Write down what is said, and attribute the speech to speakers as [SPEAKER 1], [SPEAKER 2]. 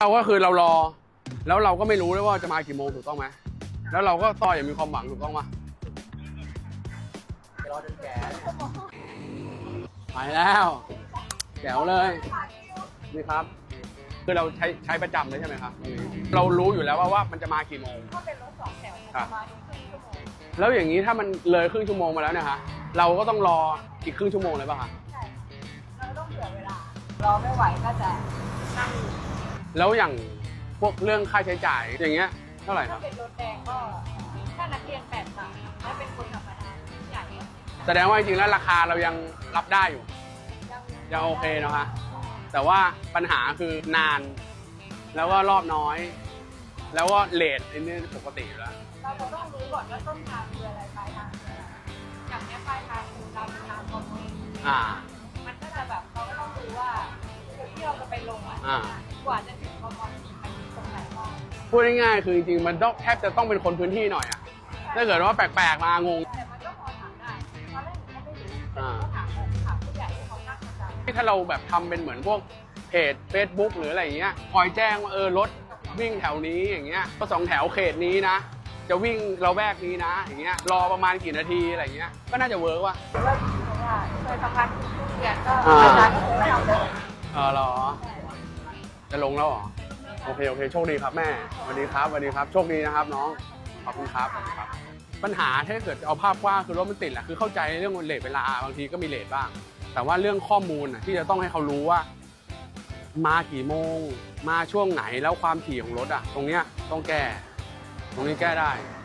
[SPEAKER 1] เราก็คือเรารอแล้วเราก็ไม่รู้ด้วยว่าจะมากี่โมงถูกต้องไหมแล้วเราก็ต่ออย่างมีความหวังถูกต้องปะรอจนแก่ไปแล้วแจ๋วเลยนี่ครับคือเราใช้ประจำเลยใช่ไหมครับเรารู้อยู่แล้วว่ามันจะมากี่โมง
[SPEAKER 2] ถ้าเป็นรถ2 แถวประมาณครึ่งชั่วโมง
[SPEAKER 1] แล้วอย่างนี้ถ้ามันเลยครึ่งชั่วโมงมาแล้วเนี่ยฮะเราก็ต้องรออีกครึ่งชั่วโมงเลยป่ะคะ
[SPEAKER 2] ใช่เราต้องเผื่อเวลารอไม่ไหวก็จะนั่ง
[SPEAKER 1] แล้วอย่างพวกเรื่องค่าใช้จ่ายอย่างเงี้ยเท่าไหร่ค
[SPEAKER 2] ถ้า
[SPEAKER 1] รับ
[SPEAKER 2] เป็นรถแดงก็ถ้านักเรียน8 บาทถ้าเป็นคนธรรมดาใหญ่
[SPEAKER 1] แสดงว่าจริงๆแล้วราคาเรายังรับได้อยู่ยังโอเคเนาะฮะแต่ว่าปัญหาคือนานแล้วก็รอบน้อยแล้วก็เลทอันนี้ปกติอยู่แล้ว
[SPEAKER 2] เราต้องรู้ก่อนว่าต้นทางคืออะไรปลายทางคืออะไรอย่างนี้ปลายทางคือเราเป็นทางคอมมูนมันก็จะแบบเราก็ต้องรู้ว่าจุดที่เราจะไปลงกว่าจะถึงคอมมูนมันตรงไหนบ้าง
[SPEAKER 1] พูดง่ายๆคือจริงๆมันต้องแทบจะต้องเป็นคนพื้นที่หน่อยอะถ้าเกิดว่าแปลกๆมางง
[SPEAKER 2] แต่มันก็พอถามได้ตอนแรกหนูก็ไม่รู้ก็ถามผู้ใหญ่ที่เขานั่งประจำ
[SPEAKER 1] ถ้าเราแบบทำเป็นเหมือนพวกเพจ Facebook หรืออะไรอย่างเงี้ยคอยแจ้งว่ารถวิ่งแถวนี้อย่างเงี้ยก็2 แถวเขตนี้นะจะวิ่งเราแวกนี้นะอย่างเงี้ยรอประมาณกี่นาทีอะไรอย่างเงี้ยก็น่าจะเวิร์กว่ะ
[SPEAKER 2] เพราะว่าเคยทำงานทุกเดือนก็อาจารย์ก็คงไม่เอาเลย
[SPEAKER 1] เหรอจะลงแล้วเหรอโอเคโชคดีครับแม่สวัสดีครับโชคดีนะครับน้องขอบคุณครับปัญหาถ้าเกิดเอาภาพกว้างคือรถมันติดแหละคือเข้าใจเรื่องเลทเวลาบางทีก็มีเลทบ้างแต่ว่าเรื่องข้อมูลที่จะต้องให้เขารู้ว่ามากี่โมงมาช่วงไหนแล้วความถี่ของรถตรงเนี้ยต้องแก้ตรงนี้แก้ได้